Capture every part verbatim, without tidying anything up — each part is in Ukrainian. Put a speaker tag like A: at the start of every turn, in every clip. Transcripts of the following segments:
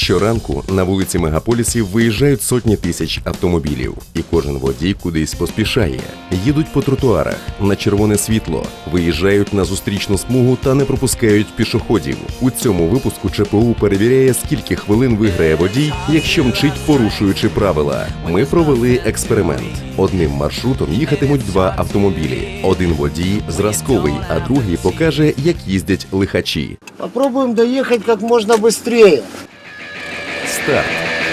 A: Щоранку на вулиці мегаполісів виїжджають сотні тисяч автомобілів. І кожен водій кудись поспішає. Їдуть по тротуарах, на червоне світло, виїжджають на зустрічну смугу та не пропускають пішоходів. У цьому випуску ЧПУ перевіряє, скільки хвилин виграє водій, якщо мчить, порушуючи правила. Ми провели експеримент. Одним маршрутом їхатимуть два автомобілі. Один водій зразковий, а другий покаже, як їздять лихачі.
B: Попробуем доехать как можно быстрее.
A: Старт.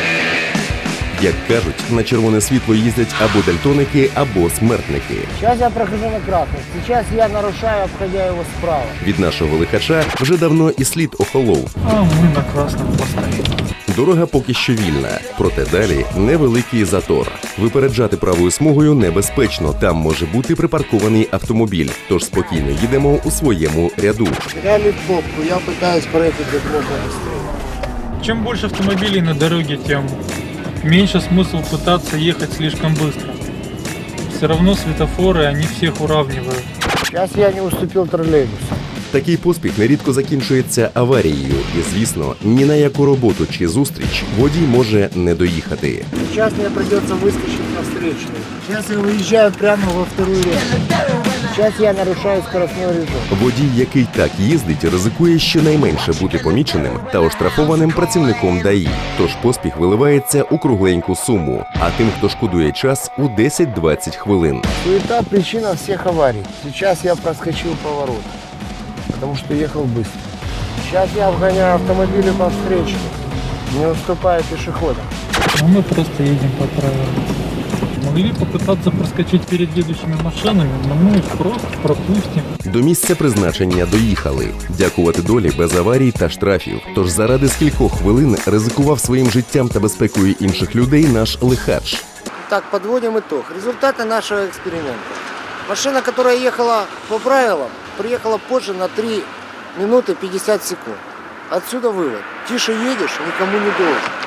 A: Як кажуть, на червоне світло їздять або дальтоники, або смертники.
B: Сейчас я прохожу на красный. Сейчас я нарушаю, обходя его справа.
A: Від нашого лихача вже давно і слід охолов.
C: А мы на красном постоим.
A: Дорога поки що вільна, проте далі невеликий затор. Випереджати правою смугою небезпечно, там може бути припаркований автомобіль, тож спокійно їдемо у своєму ряду.
B: Теряли попку, я пытаюсь проехать как можно быстрее.
C: Чем больше автомобилей на дороге, тем меньше смысл пытаться ехать слишком быстро. Все равно светофоры, они всех уравнивают.
B: Сейчас я не уступил троллейбусу.
A: Такий поспіх нерідко закінчується аварією і, звісно, ні на яку роботу чи зустріч водій може не доїхати.
B: Сейчас мне придется выскочить на встречную. Сейчас я выезжаю прямо во вторую ряду. Сейчас я нарушаю скоростной режим.
A: Водій, який так їздить, ризикує щонайменше бути поміченим та оштрафованим працівником ДАІ. Тож поспіх виливається у кругленьку суму, а тим, хто шкодує час, у десять-двадцять хвилин.
B: Суета – причина всех аварий. Сейчас я проскочил поворот, потому что ехал быстро. Сейчас я обгоняю автомобили по встречке, не уступая пешеходам.
C: А мы просто едем по правилам. Могли попытаться проскочить перед едущими машинами, но мы их просто пропустим.
A: До місця призначення доїхали. Дякувати долі без аварій та штрафів. Тож заради скількох хвилин ризикував своїм життям та безпекою інших людей наш лихач.
B: Так, подводим итог. Результаты нашего эксперимента. Машина, которая ехала по правилам, приехала позже на три минуты пятьдесят секунд. Отсюда вывод. Тише едешь, никому не должен.